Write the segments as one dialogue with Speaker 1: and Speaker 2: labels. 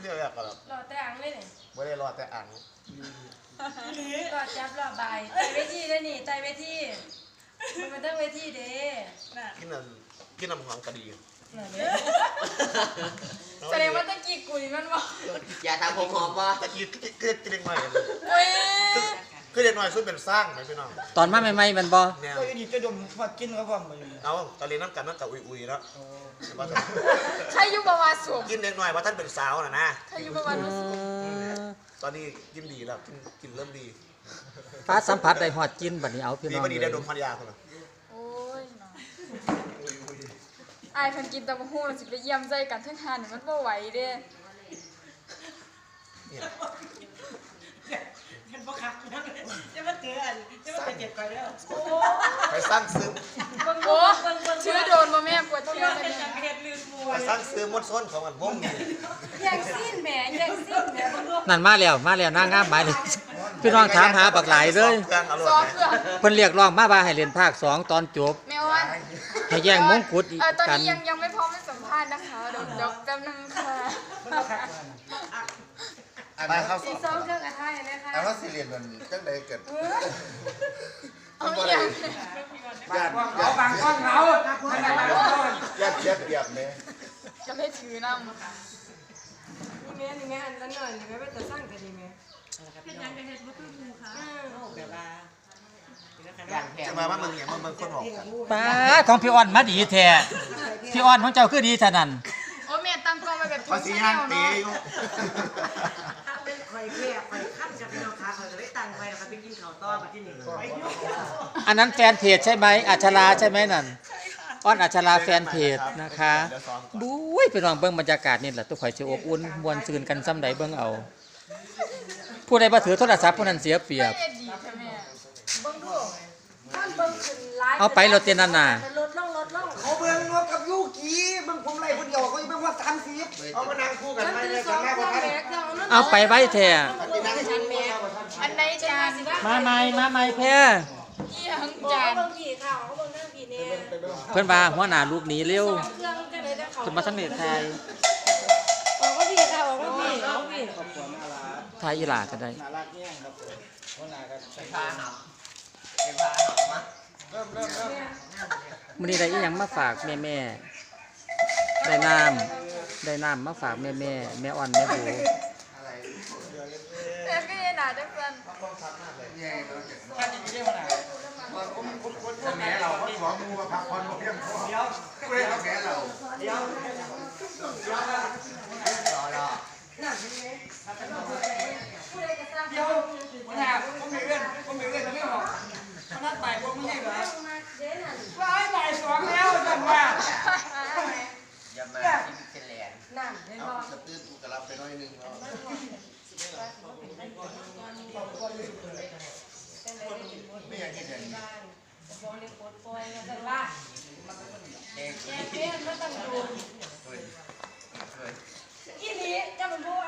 Speaker 1: เรียกอะไรครับ
Speaker 2: รอแต่อังเลยเนี่ย
Speaker 1: ไม่ได้รอแต่อัง
Speaker 2: รอจับรอใบไต่เวทีได้นี่ไต่เวทีมันต้องเวทีเด้
Speaker 1: กินน้ำหอมกระดี
Speaker 2: แสดงว่าตะกี้กุยมันบอก
Speaker 3: อย่าทำผมหอมป่ะ
Speaker 1: ตะกี้กินเด็กหน่อยคือเด็กหน่อยซึ่งเป็นสร้างไหมพี่น้อง
Speaker 4: ตอนมาใหม่ๆมันบ่
Speaker 5: ก็อยู่ดีจะดมมากินก็ว่ามัน
Speaker 1: เอาตอนเรียนน้ำกันนั่งกับอุยแล้ว
Speaker 2: ใครอยู่ประวัติสูง
Speaker 1: กินเด็กหน่อยว่าท่านเป็นสาวนะ
Speaker 2: ใครอยู่ประวัติสูง
Speaker 1: ตอนนี้กินดีแล้วกินเริ่มดี
Speaker 4: ฟ้าสัมผัสได้หอดกินบัดนี้เอาพี่น้อง
Speaker 1: ดีได้ดมพันยาคนละ
Speaker 2: โอ้ยไอ้คนกินตะมะฮู้เราสิไปเยี่ยมใจกันทั้งทานมันบ่ไหวเด้
Speaker 5: มันบ่คักจะมาเจออันจะมาเจ็บไปแล้ว
Speaker 1: ไปสร้างซื้อ
Speaker 2: โอ้ชื่อโดนมาแม่ปวดเที่ยวเลย
Speaker 1: ไปสร้างซื้อมดส้นของมันวงนี่
Speaker 2: แย่งซีนแหมแย่งซีนแหม
Speaker 4: นั่นมาแล้วนางงามหมายเลยพี่น้องถามหาบักหลายเลยเพิ่นเรียกร้องมาว่าให้เรียนภาค2ตอนจบ
Speaker 2: แม่อ้วน
Speaker 4: ให้แย่งมงกุฎ
Speaker 2: ตอนนี้ยังไม่พร้อมให้สัมภาษณ์นะคะเดี๋ยวแป๊บนึงค่ะ
Speaker 1: ไปเข้า
Speaker 2: ซีซ่อมเครื่องกระทะนะคะ
Speaker 1: แต่ว่าซีเรียนมันจังใดเกิด
Speaker 2: เอาอย่าง
Speaker 5: เอาบางก้อนเรา
Speaker 1: ยัดเปียบเลย
Speaker 2: จะไม่ถือน้ำนี่แม่อันละหน่อยนี่แม่ไปจะสร้างกันดีไหมเป็นยังไงเห็นว่าคือมูค่ะ
Speaker 5: แบบว่า
Speaker 1: จะมาว่ามึงอย่างมึงคนบอก
Speaker 4: ป้าของพี่อ้อนมาดีแท้พี่อ้อนของเจ้าคือดีเท่านั้น
Speaker 2: โอ้แม่ตั้งกล้องไว้แบบ
Speaker 1: ภาษีย่างตีอยู่
Speaker 5: ถ้าเป็นคอยแค่คอยขั้นกับพี่น้องค้าเขาจะได้ตังค์ไปนะครับไปกินข้าวต้อมาที่นี่
Speaker 4: อันนั้นแฟนเพจใช่ไหมอัชราใช่ไหมนั่นอ้อนอัชราแฟนเพจนะคะบุ้ยพี่น้องเบิ่งบรรยากาศนี่แหละทุกข่อยสิอบอุ่นมวนซื่นกันซ้ำใดเบิ่งเอาผู้ใดบ่ถือโทรศัพท์ผู้นั้นเสียเปรียบเอาไปรถเต้นนั่นน่ะ
Speaker 5: เขาเบิ่งงบกับยูกีเบิ่งผมไล่คนเดียวเขาอยู่เบิ่งว่า30เอามานั่งคู่กันไปเลยกันแม่บ่ทัน
Speaker 4: เอาไปไว้แท้
Speaker 2: อันใดจาน
Speaker 4: มาใหม่แพ้
Speaker 2: จาน
Speaker 4: เพิ่นว่าหัวหน้าลูกหนีเร็วขึ้นมาทั้งเน็ตไทย
Speaker 2: ออกก็พี่ค่ะออกก็พี่เอาพี่
Speaker 4: ไทยอีหลาก็ได้
Speaker 3: น่ารักแย่งครับหัวหน้าก็ไปพาหำมาเริ่ม
Speaker 4: มื้อนี้ได้อีหยังมาฝากแม่ได้น้ำมาฝากแม่อ่อนแม่บู
Speaker 2: แต่ก็ยังหนาจังซั่น
Speaker 3: ท่านยังไม่ได้มาไหนแม่เราก็ขอมูมาพักผ่อนเพียงพอเดี๋ยวเพื่อนแม่เราเดี๋ยวรอเดี๋ยวผมมีเรื่องไม่ออกมันนัดบ่ายผมไม่ใช่เหรอว่าให้บ่าย2แล้วจังว่าอย่ามาที่พิเศษแลนด์
Speaker 2: นั่นเห็นบ่
Speaker 1: จะตื้นกูกระลับไปน้อยนึงแล้วไม่อยากกินอย่างนี้
Speaker 2: อีนี้จะมันพูด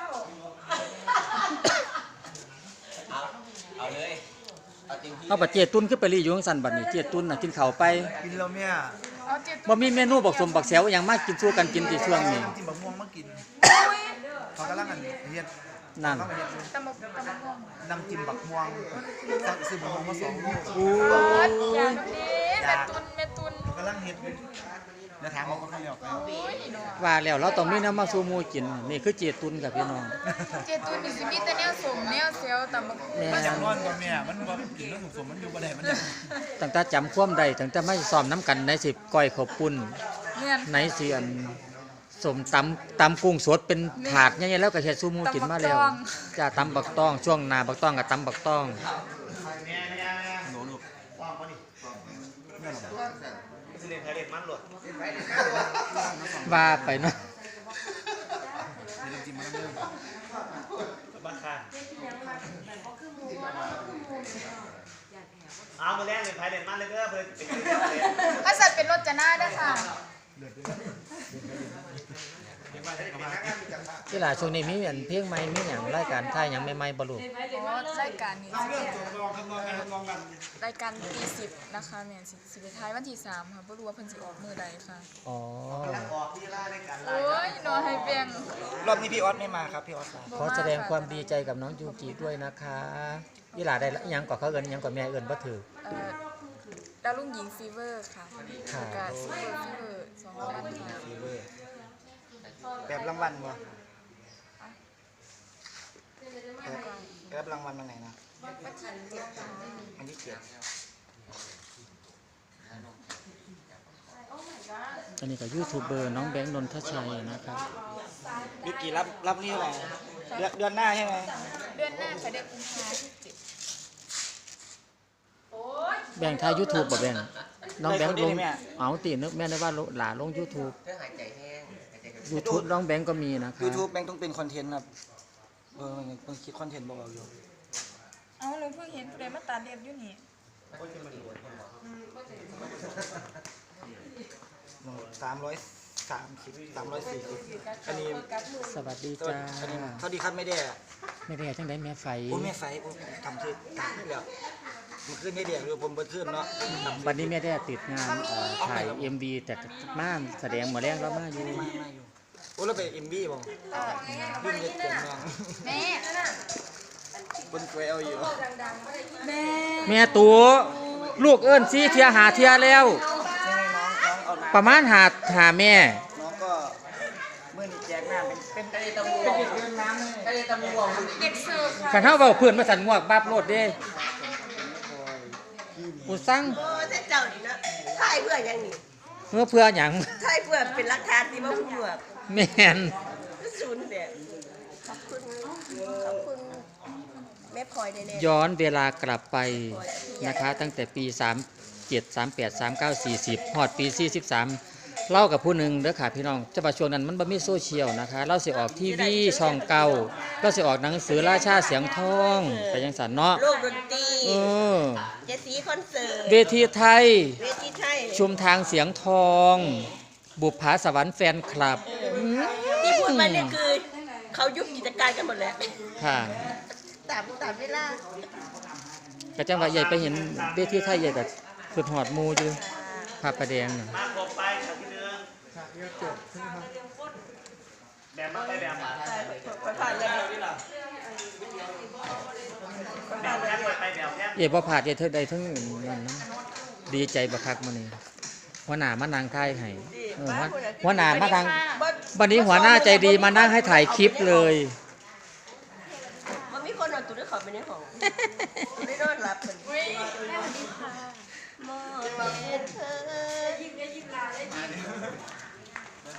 Speaker 3: เอาเลย
Speaker 4: เอาบัดเจตุ้นขึ้นไปรีอยู่ข้างสันบัดนี้เจตุ้นน่ะกินข้าวไป
Speaker 5: กินแล้วแม่
Speaker 4: บ่มีเมนูบักสมบักแซวหยังมากินสู้กันกินที่ช่วงนี้
Speaker 5: กินบักม่วงมากินเขากำลังกันเฮ็ด
Speaker 4: นั่น
Speaker 2: ตำบักม่วง
Speaker 5: น้ำจิ้มบักม่วงซื้อบักม่วงมา2 ลูก
Speaker 2: อย่างนี้แม่ตุน
Speaker 5: กำลังเฮ็ดแล้วถามเขาก็เขาเรียก
Speaker 4: ว่าแล้วเราต้องมีน้ำมาสู่หมู่กินนี่คือเจตุ้นกับพี่น้อง
Speaker 2: เจตุ้นนี่สิมีแต่แนวสมแนวเซลตำบัก
Speaker 5: มันอย่างร้อนกว่าแม่มันบ่กินแล้วสมมันอยู่บ่ได้มัน
Speaker 4: ตั้งแต่จำความใดตั้งแต่ไม่ซ้อมน้ำกันในสิก้อยข้าวปุ้นในสิอันสมตำกุ้งสดเป็นถาดใหญ่ๆแล้วก็เฮ็ดสู่หมู่กินมาแล้วจ้าตำบักต้องช่วงหน้าบักต้องกับตำบักต้องว่าไปเนาะ
Speaker 1: เอามาแล่นเลยไผ่เด่นมันเลยเด้อเพื่อน
Speaker 2: ถ้าสัตว์เป็นรถจะหน้าได้ค่ะ
Speaker 4: ที่หลาช่วงนี้มีอันเพลงใหม่มีหยังรายการถ่ายหยังใหม่ๆบ่ลูก
Speaker 6: อ๋อรายการนี้สิเป็นรายการตีสิบนะคะแม่สิไปท้ายวันที่3ค่ะบ่รู้ว่าเพิ่นสิออกมื้อใดค่ะ
Speaker 4: อ๋อ
Speaker 6: โอ้ยหนอให้เปียง
Speaker 3: รอบนี้พี่ออสไม่มาครับพี่ออสลา
Speaker 4: ขอแสดงความดีใจกับน้องยูกิด้วยนะคะยี่หลาได้หยังก่อเขาเอิ้นหยังก่อแม่เอิ้นบ่ถือ
Speaker 6: ดาวรุ่งหญิงฟีเวอร์ค่ะ
Speaker 4: ค่ะ
Speaker 6: กับซูเปอร์ฟีเวอร์2รางวัลค่ะ
Speaker 3: ฟีเวอร์แบบรางวัลบ่แบบรางวัลวันไหนนะ
Speaker 6: วันที่7ค่ะ
Speaker 3: วันที่7
Speaker 4: อันนี้ก็ยูทูบเบอร์น้องแบงค์นนทชัยนะครับ
Speaker 3: วิกกี้รับนี่เท่าไหร่เดือนหน้าใช่ไหม
Speaker 6: เดือนหน้าค่ะเดือนกุมภาพันธ์ที่7
Speaker 4: แบ่งทาย YouTube บ่แบ่งน้องแบงค์ลงเอาตินึกแม่ได้ว่าหลาลง YouTube YouTube น้องแบงค์ก็มีนะคะ
Speaker 3: ยูทูบแม่งต้องเป็นคอนเทนต์ครับมันคิดคอนเทนต์บอกเราอยู่
Speaker 6: เอาหนูเพิ่งเห็นผู้ใดมาตัดเล็บอยู่นี่
Speaker 3: 330 340อันนี้
Speaker 4: สวัสดีจ้า
Speaker 3: เท่าดีครับไม่ได้
Speaker 4: ไม่ได้จังได๋แม่ไฟ
Speaker 3: โอ้แม่ไฟโอ้ทำชื่อตามนี่แล้วมันขึ้นได้เดียวคือผมเบิดขึ้นเนาะ
Speaker 4: วันนี้แม่ได้ติดงานถ่าย MV แต่มาแสดงหมดแรงแล้วมาอยู่
Speaker 3: มาอยู่โอ้เราไปเอ็มบีบ่รุ่นเด็กเก่งมาก
Speaker 6: แม่
Speaker 3: บนกวยเอาอยู่
Speaker 6: แม่
Speaker 4: แม่ตัวลูกเอิ้นซี่เทียหาเทียแล้ว
Speaker 3: ใช่ไหมน้องเอาน้
Speaker 4: ประมาณหาแม่
Speaker 3: ำน้องก็เมื่อนี้แจกน้ำเป็นเด็กเดินน้ำเลย
Speaker 6: เด็กเสิร์ฟค่ะ
Speaker 4: คันเฮาเว้าเพื่อนมาสั่นงวกบับโลดเด้กูสั่ง
Speaker 2: โอ้แต่เจ้านี่นะถ่ายเพื่อยังนี่
Speaker 4: เพื่อหยัง
Speaker 2: ถ่ายเพื่อเป็นหลักฐานที่ว่าผู้หมวก
Speaker 4: แม่น
Speaker 2: ศูนย์เนี่ยขอบคุณแม่พลอยแน่
Speaker 4: ย้อนเวลากลับไปนะคะตั้งแต่ปี 37 38 39 40ฮอดปี 43เล่ากับผู้หนึ่งเด้อค่ะพี่น้องจะว่าช่วงนั้นมันบ่มีโซเชียลนะคะเราสิออกทีวีช่องเก่าเราสิออกหนังสือราชาเสียงทองไปจังซั่นเนาะ
Speaker 2: ๆโลกดนตรี
Speaker 4: เออ
Speaker 2: เจสีคอนเสิร์ต
Speaker 4: เวทีไทย
Speaker 2: เวทีไทย
Speaker 4: ชุมทางเสียงทอง บุปผาสวรรค์แฟนคลับ
Speaker 2: ที่พูดมาเนี่ยคือเขายุบกิจการกันหมดแล้ว
Speaker 4: ค่ะ
Speaker 2: ตามเวลา
Speaker 4: ก็จังว่าใหญ่ไปเห็นเวทีไทยใหญ่ก็คือหอดหมูอยู่ภาพประแดงน่ะ
Speaker 1: มาครบไปฉากที่หนึ่งแบบมาไปแบบมา
Speaker 2: ไปผ่านเลย
Speaker 1: แบบแค่ไปแบบแค่
Speaker 4: เอ๋บ่พลาดเอ๋เธอใดทั้งนั้นนะดีใจบักคักมื้อนี้หัวหน้ามานางถ่ายให้หัวหน้ามาทางวันนี้หัวหน้าใจดีมานั่งให้ถ่ายคลิปเลย
Speaker 2: มันมีคนเอาตัวด้วยเขาไปในห้องไม่นอนหลับเหมือนมองเห็นเธอยิ้มได้ยิ้มลาได้ยิ้ม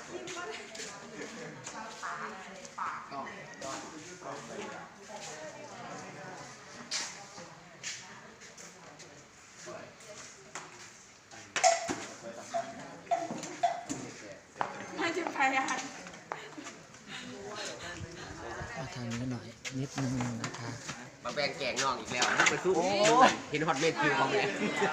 Speaker 6: ไม่ถึงใครอ่ะ
Speaker 4: เอาทางนี้หน่อยนิดนึงนะคะ
Speaker 7: มาแบ่งแกงน้องอีกแล้วนี่เป็นสู้เห็นฮอตเมคิวของเลย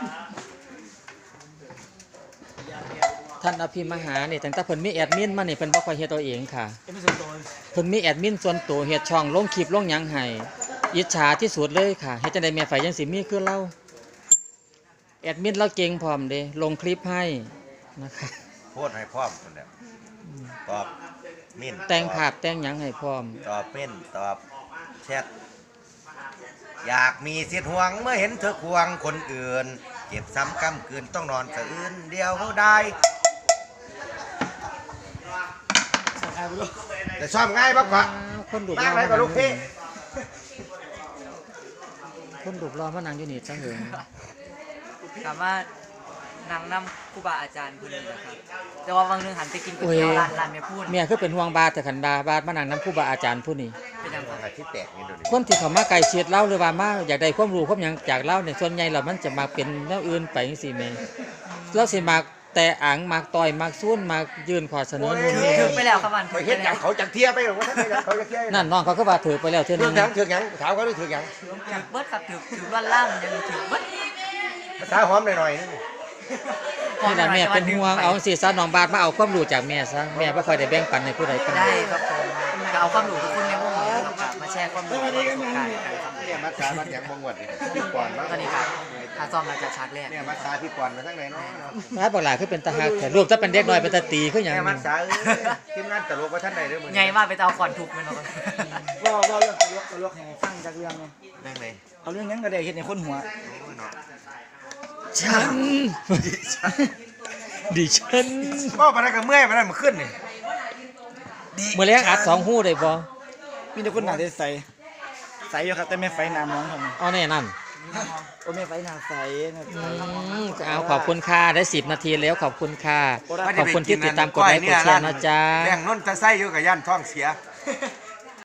Speaker 4: ท่านอภิมหาเนี่ยตั้งแต่เพิ่นมีแอดมินมานี่เพิ่นบ่ค่อยเฮ็ดตัวเองค่ะ
Speaker 3: เอ็มส่วนตัว
Speaker 4: เพิ่นมีแอดมินส่วนตัวเฮ็ดช่องลงคลิปลงหยังให้อิจฉาที่สุดเลยค่ะเฮ็ดจังได๋แม่ไฟจังสิมีคือเราแอดมินเราเก่งพร้อมเด้ลงคลิปให้นะคะ
Speaker 8: พูดให้พร้อมคนเดียวตอบมิ่น
Speaker 4: แต่งภาพแต่งหยังให้พร้อม
Speaker 8: ตอบมิ่นตอบแชทอยากมีสิทธิ์ห่วงเมื่อเห็นเธอควงคนอื่นเก็บซ้ำกำคืนต้องนอนสะอื้นเดียวได้
Speaker 1: แต่ชอบง่ายมากกว่า
Speaker 4: คนดุร
Speaker 1: นั่
Speaker 4: อง
Speaker 1: ไหนกับลูกพี่
Speaker 4: คนดุรอมานั่งอยู่นี่จังเหิง
Speaker 9: ถามว่านางนำครูบาอาจารย์คนหนึงนะครับแต่ว่าบางเรื่องหันไปกินก๋วยเตี๋ยวร้านแม่พูด
Speaker 4: เมียคือเป็นห่วงบาแต่ขันบามานั่งนำครูบาอาจารย์ผู้นี้
Speaker 9: เป็นยังไง
Speaker 8: ที่แตกนี่ดูดิ
Speaker 4: คนที่เขามาไกลเชียดเล่าหรือว่ามาอยากได้ความรู้ความหยังจากเล่าเนี่ยส่วนใหญ่แล้วมันจะมาเป็นแนวอื่นไปจังซี่แม่เราสิมาแต่อ่างมากต่อยมากซุ่นมากยื่นข้อเสนอนู่นนี่
Speaker 9: ถึงไปแล้วครับมัน
Speaker 1: ไปเห็นอย่างเขาจังเทียไปหรือว่าท่านเขาจะเทีย
Speaker 4: นั่นน้องเขาก็ว่าถือไปแล้วเท่า
Speaker 1: ถื
Speaker 4: นึ
Speaker 1: อง หยังถือหยังถามเขาด้วยถือหยัง
Speaker 9: ถึงเบิดครับถึงล้วนล่ามยังถึงเบิด
Speaker 1: ภาษาหอมหน่อยๆนึง
Speaker 4: นี่ล่ะแม่เป็นห่วงเอาสิซะน้องบาทมาเอาความรู้จากแม่ซะแม่บ่ค่อยได้แบ่งปันให้ผู้ใดปานใด
Speaker 9: ได้ครับผมก็เอาความรู้ทุกคนในวงนี้ครับมาแชร์ความรู้ประสบการณ์กันครับ
Speaker 8: เนี่ยมัดขามัดแขงบงวดพี่ก่อนบ้าง
Speaker 9: ตอนนี้ครับถ้าซ่อมเราจะชักแรก
Speaker 8: เนี่ยมัดขาพี่ก่อนมาทั้งไหนเนาะ
Speaker 4: มาบักหลาคือเป็นตาฮักแต่รูปถ้าเป็นเด็กน้อยเป็นตาตีคือหยัง
Speaker 8: เนี่ยมั
Speaker 4: นี่
Speaker 8: ดขาทีมงานตลกว่าท่านใดเด้อมื้อ
Speaker 9: ไงว่าไปเอาก่อนถูกมันเนาะ
Speaker 5: ว่าเรื่องตลกให้ฟังจากเรื่องไง
Speaker 8: เรื่องไหน
Speaker 5: เอาเรื่องนั้นก็ได้เห็นในคนหัว
Speaker 4: ฉันดิฉัน
Speaker 8: ก็มาได้กับเมื่อยมาได้มาขึ้นนี่
Speaker 4: มื้อแลงอัด2ฮู้ได้บ่
Speaker 5: มีแต่คนหนาใสใสอยู่ครับแต่ไม่ไฟน้ำน้องครับ
Speaker 4: เอาแน่นั่น
Speaker 5: โอ้ไม่ไฟหนาใสนะ
Speaker 4: เอาขอบคุณค่ะได้10นาทีแล้วขอบคุณค่ะขอบคุณที่ติดตามกดไลค์กดแชร์นะจ๊ะ
Speaker 8: แบ่งน้นตะไส้อยู่กับย่านท้องเสีย